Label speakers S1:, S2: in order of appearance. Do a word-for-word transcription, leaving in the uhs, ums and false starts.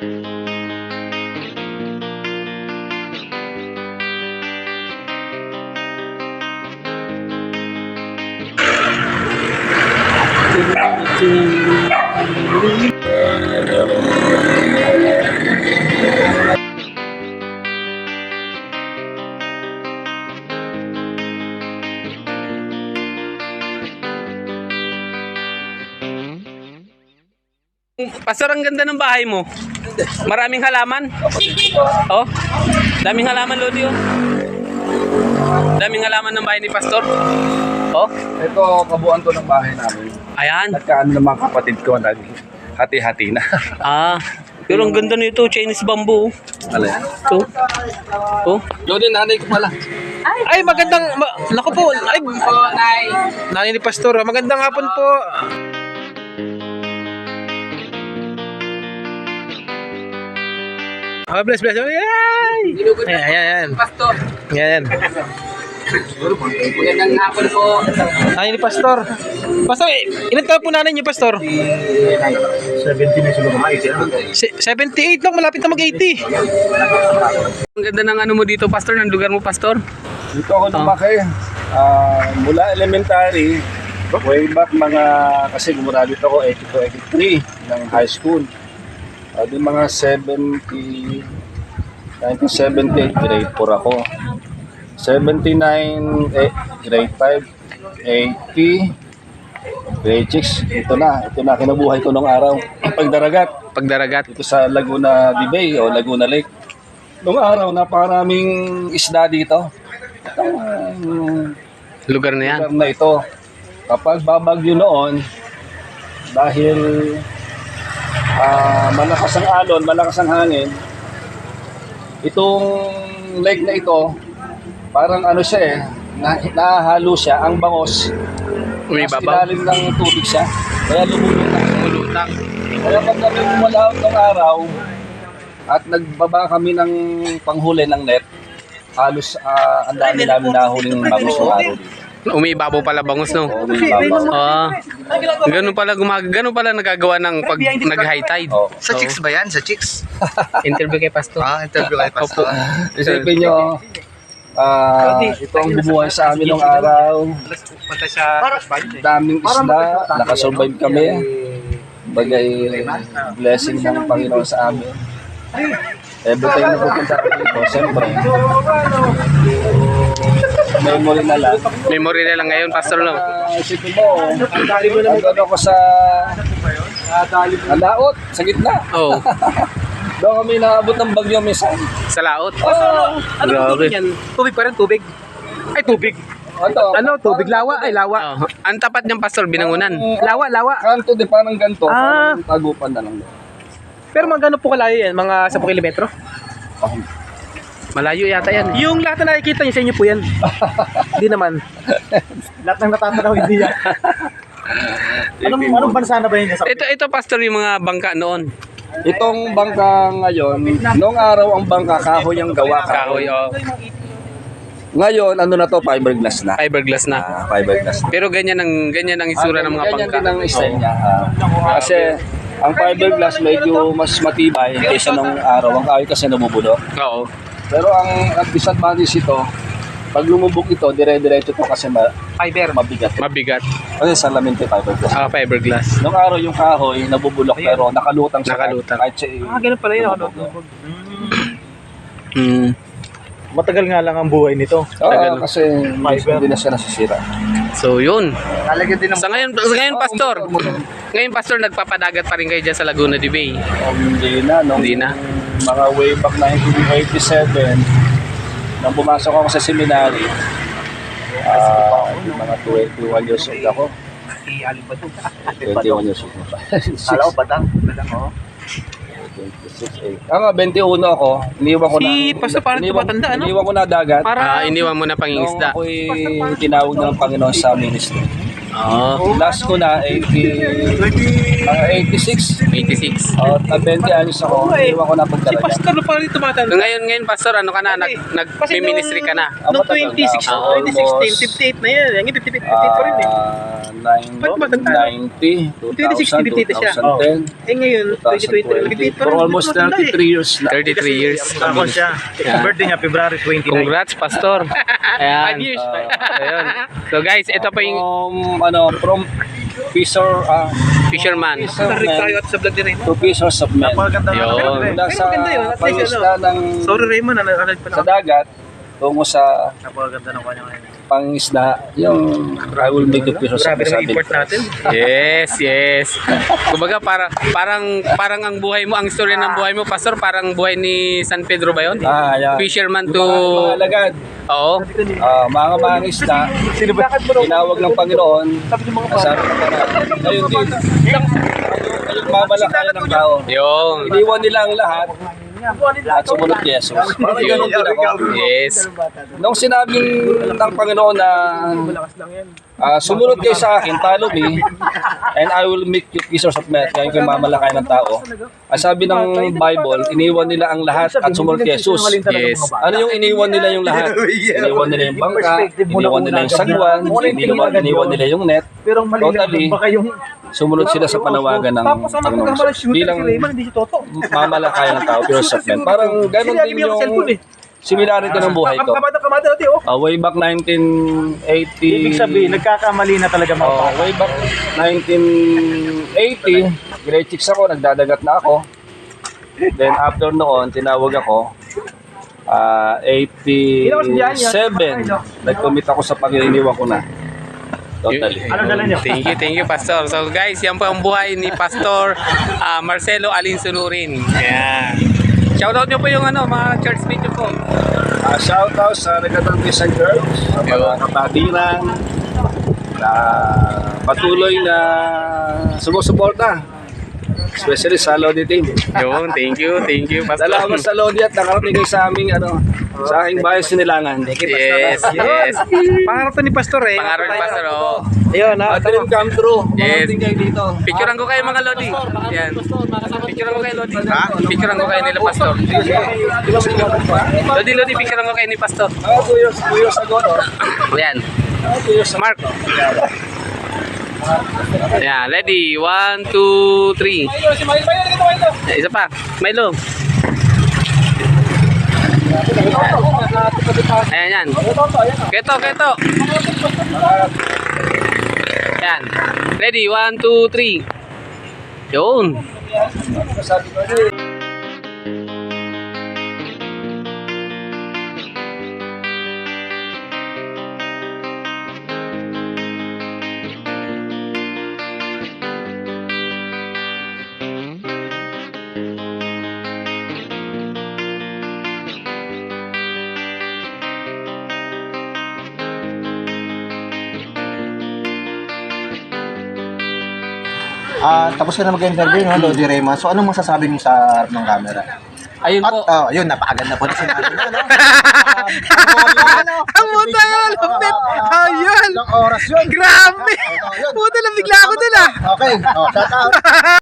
S1: Pastor, ang ganda ng bahay mo. Maraming halaman. Oh, daming halaman, Lodi. Oh. Daming halaman ng bahay ni Pastor. Oh,
S2: ito kabuuan to ng bahay namin.
S1: ayan.
S2: Nagkaano ng mga kapatid ko, hati-hati na.
S1: Ah, pero ang ganda nito, Chinese bamboo.
S2: Ano yan?
S1: Ito. Oh.
S2: Lodi, nanay ko pala.
S3: Ay, magandang, ma, naku po, ay, nanay ni Pastor, magandang hapon po. Ah, bless, bless. Ay, ayan, ayan, ayan.
S1: Pastor.
S3: Ayan.
S1: Magandang hapon po.
S3: Nanay ni Pastor. Pastor, eh, ilan taon po nanay niyo, Pastor?
S2: seventy na siguro mga
S3: Se- seventy-eight lang, malapit na mag-eighty.
S1: Ang ganda ng ano mo dito, Pastor, ng lugar mo, Pastor.
S2: Dito ako lumaki. Ah, mula elementary, way back mga, kasi gumraduate ako eighty-two eighty-three ng high school. Uh, di mga seventy, nineteen seventy-eight, grade four ako. seventy-nine, eh, grade five, eighty, grade six. Ito na, ito na kinabuhay ko nung araw. Pagdaragat.
S1: Pagdaragat.
S2: Ito sa Laguna de Bay o Laguna Lake. Nung araw, napakaraming isda dito. Itong uh,
S1: Lugar na yan.
S2: lugar na ito. Kapag babagyo noon, dahil uh, malakas ang alon, malakas ang hangin, itong lake na ito, parang ano siya eh, na, nahalo siya, ang bangos. Nasa
S1: Umibabaw.
S2: ilalim ng tubig siya, kaya lumulutang.
S1: Lumulutang.
S2: Kaya pag kami umalaot ng araw, at nagbaba kami ng panghuli ng net, halos uh, ang dami namin nahuling bangus ng araw dito.
S1: Umiibabaw pala bangus, no?
S2: Oo, umibabaw.
S1: Ah, ganun pala gumag ganun pala nagagawa ng pag nag-high tide.
S2: Oo.
S4: Sa chicks ba yan? Sa chicks?
S1: Interview kay Pastor.
S4: Ah, interview kay Pastor.
S2: Isipin nyo, ah, ito ang bumuhay sa amin ng araw. Daming isda, nakasurvive kami. Bagay blessing ng Panginoon sa amin. Every time na pupunta kami dito, siyempre, memory na lang.
S1: Memory na lang ngayon, Pastor, no?
S2: Uh, isipin mo, nandun ako sa Alaot, sa gitna.
S1: Oh,
S2: Doon kami naabot ng bagyo minsan.
S1: sa laot.
S2: Oh,
S3: Ano tubig yan? Tubig pa rin, tubig. Ay, tubig.
S2: ano,
S3: Ano, tubig, lawa, ay, lawa.
S1: Oh, ang tapat niyang, Pastor, binangunan.
S3: Lawa, lawa.
S2: kanto di parang ganito,
S3: Ah.
S2: parang tagupan na lang.
S3: Pero mga gano'n po kalayo yan, mga ten kilometro.
S2: Oh,
S1: Malayo yata yan.
S3: Yung lahat na nakikita niyo sa inyo po yan. Hindi naman.
S4: Lahat ng natatanaw hindi yan. anong, anong bansa na ba yun?
S1: Ito, ito, Pastor, yung mga bangka noon.
S2: itong bangka ngayon, noong araw ang bangka kahoy ang gawa
S1: Kahoy,
S2: kahoy.
S1: oh.
S2: Ngayon, ano na to, fiberglass na.
S1: Fiberglass na.
S2: Ah, fiberglass na.
S1: Pero ganyan ang ganyan ang isura ng mga
S2: Ganyan
S1: bangka.
S2: din ang style niya. ah. Kasi ang fiberglass medyo mas matibay kaysa nung araw. Ang kahoy kasi nabubulok.
S1: Oo.
S2: Pero ang ang disadvantage ito, pag lumubog ito, dire-diretso to kasi ma
S3: Fiber.
S2: mabigat.
S1: Mabigat.
S2: Kasi salamin ito fiberglass.
S1: Ah, fiberglass.
S2: Nung araw yung kahoy nabubulok pero nakalutang siya.
S1: Nakalutang.
S2: Kahit siya
S3: Ah, ganun pala yun. Ano?
S1: Hmm.
S4: Matagal nga lang ang buhay nito.
S2: Oo, kasi hindi na siya nasisira.
S1: So, yun.
S4: Talaga din ang
S1: Sa ngayon, sa ngayon, Pastor. Ngayon, Pastor, nagpapadagat pa rin kayo dyan sa Laguna de Bay.
S2: Um, hindi na, nung
S1: Hindi na.
S2: mga way back nineteen eighty-seven, nang pumasok ako sa seminary, ah, mga twenty-one years old ako. twenty-one years old na pa.
S4: Kala ko batang. Batang, oh.
S2: twenty-six, eh. Ah, nga, twenty-one ako. Iniwan ko na.
S3: Si Pastor parang
S2: iniwan-
S3: tumatanda, ano?
S2: Iniwan ko na dagat.
S3: Para
S1: Ah, iniwan mo na
S2: Nung
S1: pangingisda.
S2: ako'y tinawag ng Panginoon sa ministry.
S1: Oo.
S2: Last ko na eighty, mga eighty-six.
S1: eighty-six.
S2: O, uh, twenty anos ako, iniwan ko na
S3: Si
S2: pagdalaga.
S3: Pastor na pala rin
S1: So
S3: tumatanda.
S1: ngayon, ngayon, Pastor, ano ka na? Nag, nag-ministry ka na?
S3: Noong
S2: Matagal
S3: twenty
S2: na.
S3: sixteen,
S2: Ah,
S3: twenty sixteen,
S2: almost,
S3: fifty-eight na yan. Yung fifty-eight pa rin eh.
S2: Ah, nine-
S3: Ba't matanda?
S2: ninety,
S3: twenty sixteen, fifty-eight na siya.
S2: twenty ten,
S3: Eh ngayon, twenty twenty,
S2: twenty
S3: fifty-eight pa
S2: For
S3: rin.
S2: almost
S3: Matanda eh.
S2: thirty-three years na.
S1: thirty-three years.
S4: Ako siya.
S1: Yeah.
S4: Birthday niya, February twenty-nine.
S1: Congrats, Pastor. Ayan.
S3: Five years.
S1: Ayun. So guys, ito pa yung
S2: From, ano, from Fisher, ah,
S1: fisherman.
S3: Tarik tayo at sa vlog din eh.
S2: to Fishers of Men.
S4: Napakaganda ng
S1: Yun.
S4: ano, eh.
S2: Mula
S3: Pero
S2: sa
S3: maganda yun, at least
S2: pangisla ng
S3: Sorry Raymond, ano ano pa
S2: sa dagat, tungo sa
S4: Napakaganda ng kanya ngayon.
S2: pangisda, yung I will make the Fishers of
S3: Grabe
S2: Men.
S3: naman import natin.
S1: Yes, yes. Kumbaga para parang parang ang buhay mo, ang story ng buhay mo, Pastor, parang buhay ni San Pedro ba 'yon?
S2: Ah, yan.
S1: Fisherman
S2: Yung
S1: to
S2: mga, mga alagad,
S1: Oo.
S2: ah, mga mangisda, tinawag ng Panginoon, sabi ng Panginoon, ngayon din, ngayong mamalakayan ng tao.
S1: Yung
S2: Iniwan nila ang lahat at sumunod kay Jesus. Parang ganun din ako.
S1: yes.
S2: Nung sinabing ng Panginoon na ah, sumunod kayo sa akin, follow me, and I will make you fishers of men, kaya kayo mamalakay ng tao. Ang sabi ng Bible, iniwan nila ang lahat at sumunod kay Jesus.
S1: Yes.
S2: Ano yung iniwan nila yung lahat? Iniwan nila yung bangka, iniwan nila yung sagwan, iniwan, iniwan nila yung net.
S4: Pero mali
S2: Totally,
S4: lang, baka yung...
S2: sumunod sila sa panawagan ng
S4: Tapos ang
S2: Panginoon
S4: nagkakamali
S2: Jesus.
S4: shooter
S2: Bilang
S4: si Raymond, hindi siya toto.
S2: mamalakayan ng tao, fishers of men. Parang ganun din yung similarity ng buhay ko.
S4: Kamada-kamada natin, oh.
S2: Uh, way back nineteen eighty.
S4: Ibig sabihin, nagkakamali na talaga mga
S2: Oh,
S4: bata.
S2: way back nineteen eighty, grade six ako, nagdadagat na ako. Then after noon, tinawag ako. Ah, eighty-seven, nag-commit ako sa pag-iniwan ko na. Totally.
S4: Ano dala niyo?
S1: Thank you, thank you, Pastor. So guys, yan po ang buhay ni Pastor ah, Marcelo Alinsunurin. Ayan. Shoutout nyo po yung ano, mga church meet nyo po.
S2: Uh, shout out sa Regatang Boys and Girls, sa mga kapatiran, na patuloy na sumusuporta. Especially sa Lodi team.
S1: Yun, thank you, thank you, Pastor.
S2: Salamat sa Lodi at nakarating kayo sa aming ano, sa aking bahay Sinilangan.
S1: Yes, yes.
S3: Pangarap to ni Pastor eh.
S1: Pangarap ni Pastor, oh.
S3: Ayun ha.
S2: At dream come true.
S1: Yes.
S2: Makarating kayo dito.
S1: Picturean ko kayo mga Lodi. Yan. Picturean ko kayo Lodi. Ha? Picturean ko kayo nila Pastor. Lodi, Lodi, picturean ko kayo ni Pastor.
S2: Mga two years, two years ago, no?
S1: Yan.
S2: Mga two years ago.
S1: Mark. Yan, ready. One, two, three. Isa pa. Milo. Ayan, yan. Keto, keto. Yan. Ready, one, two, three. Yun.
S2: Sabi ko, eh,
S5: Ah, tapos ka na mag-interview, no, Lodi Rema. So, anong masasabi mo sa harap ng camera?
S1: Ayun
S5: At,
S1: po.
S5: oh, yun, napakaganda po na sinabi mo, no?
S3: Ang puta yun, lapit. Ayun.
S5: Ilang oras yun?
S3: Grabe.
S5: Oh, yun.
S3: Puta, nabigla ako dun ah.
S5: Okay, oh, shout out.